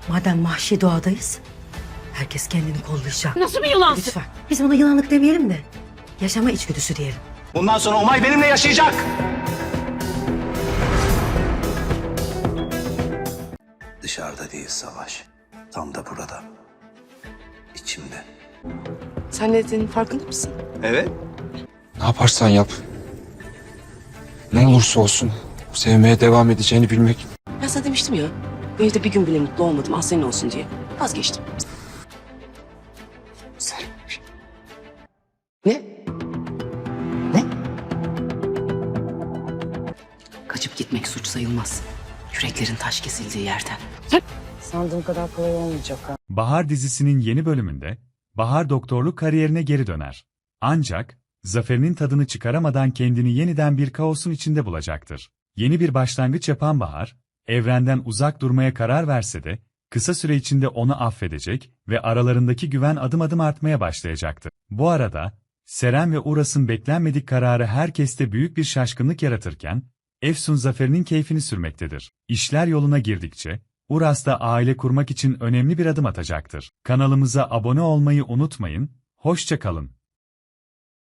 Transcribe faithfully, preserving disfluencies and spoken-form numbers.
Madem vahşi doğadayız, herkes kendini kollayacak. Nasıl bir yılansın? Lütfen. Biz buna yılanlık demeyelim de yaşama içgüdüsü diyelim. Bundan sonra Umay benimle yaşayacak. Dışarıda değil Savaş. Tam da burada. İçimde. Sen ne dediğinin farkında mısın? Evet. Ne yaparsan yap. Ne olursa olsun sevmeye devam edeceğini bilmek. Ben sana demiştim ya. Bu evde bir gün bile mutlu olmadım. Ah senin olsun diye. Vazgeçtim. Ne? Ne? Kaçıp gitmek suç sayılmaz. Yüreklerin taş kesildiği yerden. Sandığım kadar kolay olmayacak ha. Bahar dizisinin yeni bölümünde Bahar doktorluk kariyerine geri döner. Ancak zaferinin tadını çıkaramadan kendini yeniden bir kaosun içinde bulacaktır. Yeni bir başlangıç yapan Bahar, evrenden uzak durmaya karar verse de kısa süre içinde onu affedecek ve aralarındaki güven adım adım artmaya başlayacaktır. Bu arada Seren ve Uras'ın beklenmedik kararı herkeste büyük bir şaşkınlık yaratırken Efsun zaferinin keyfini sürmektedir. İşler yoluna girdikçe Uras da aile kurmak için önemli bir adım atacaktır. Kanalımıza abone olmayı unutmayın, hoşça kalın.